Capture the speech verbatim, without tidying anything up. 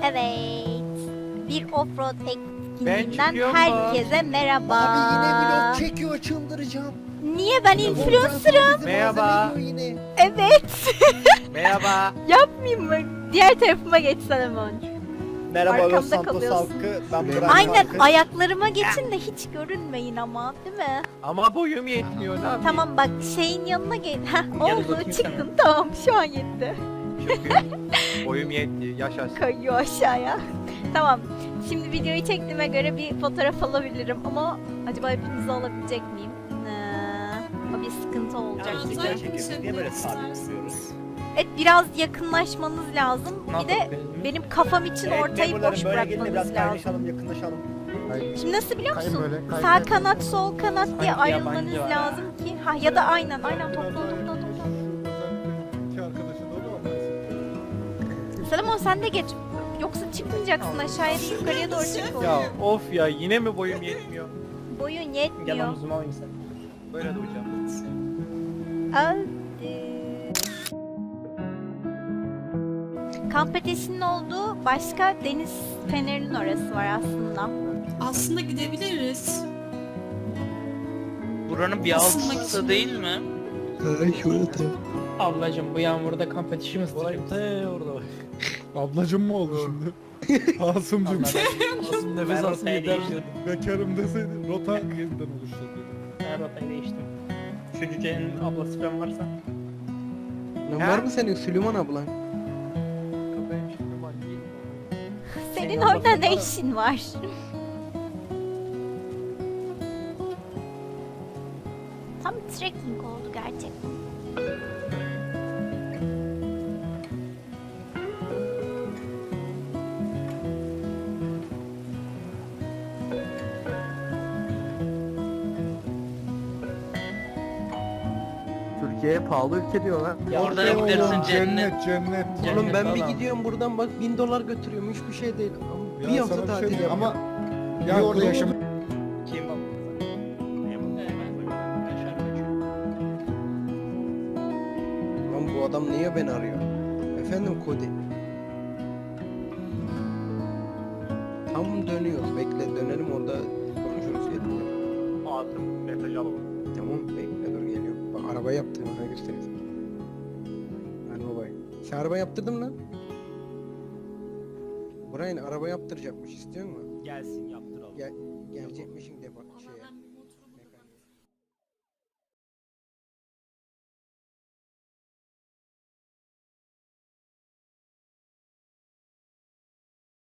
Evet. Bir offroad Ben etkinliğinden çıkıyorum herkese merhaba. Abi yine vlog çekiyor, çıldıracağım. Niye ben influencer'ım? Merhaba. Yine. Evet. Merhaba. Yapmayayım mı? Diğer tarafıma geçsene Monç. Merhaba Los Arkamda Santos kalıyorsun. halkı. Ben Burak Aynen, Halkı. ayaklarıma geçin de hiç görünmeyin ama, değil mi? Ama boyum yetmiyor, ne yapayım? Tamam bak, şeyin yanına gel. Heh, Gel oldu, bakayım çıktın, tamam, şu an yetti. Çıkıyorum. Boyum yetti, yaşasın. Kayıyor aşağıya. Tamam. Şimdi videoyu çektiğime göre bir fotoğraf alabilirim ama acaba hepinizi alabilecek miyim? Ee, o bir sıkıntı olacak Ya, gibi. güzel. Çekiyoruz. Niye böyle sabit duruyoruz? Evet, biraz yakınlaşmanız lazım. Bir de benim kafam için ortayı memurlarım, boş böyle gelin de bırakmanız biraz lazım. kaynaşalım, yakınlaşalım. Şimdi nasıl biliyor Kayın musun? böyle, kayın Sağ böyle. kanat, sol kanat diye Sanki ayrılmanız yabancı var. lazım ki. Ha, ya da aynen, aynen topla topla topla. İki arkadaşın oluyor mu? Selamon, sen de geç. Yoksa çıkmayacaksın aşağıya değil, yukarıya doğru çık. Ya of ya, yine mi boyum yetmiyor? Boyun Gel yetmiyor. omzuma alayım sen. Böyle duracağım. Hadi. Kamp ateşinin olduğu başka deniz fenerinin orası var aslında. Aslında gidebiliriz. Buranın bir Isınmak altısı için. değil mi? Ablacım bu yağmurda kamp ateşi mi ısıtacak? orada bak. Ablacım mı oldu şimdi? Asımcım. Asım nefes alsın yeter. Bekarım deseydi rota yeniden oluşturdu. Ben rotayı değiştim. Şu cücenin ablası falan varsa. Lan Ha? var mı senin Süleyman ablan? Benim şimdi var değil. Senin Senin orada orada ne var. işin var? Tam trekking oldu gerçekten. Türkiye'ye pahalı ülke diyorlar. Orada Ya, gidersin Oğlum, cennet. cennet cennet. Cennet Oğlum ben bir falan. gidiyorum buradan bak bin dolar götürüyorum hiçbir şey değil. Ama Ya bir sana hafta bir şey tatil diyeyim yapıyorum. ama ya orada yaşam Kim bak? Lan bu adam niye beni arıyor? Efendim Kodi. Tam dönüyoruz bekle dönelim orada konuşuruz gelin. Atım, mesaj alalım. Tamam bekle dur geliyorum. Bak araba yaptım ona göstereyim. Hadi babay. Sen araba yaptırdın mı lan? Brian araba yaptıracakmış istiyor musun? Gelsin yaptıralım. Gel, gelecekmişin defa şeye.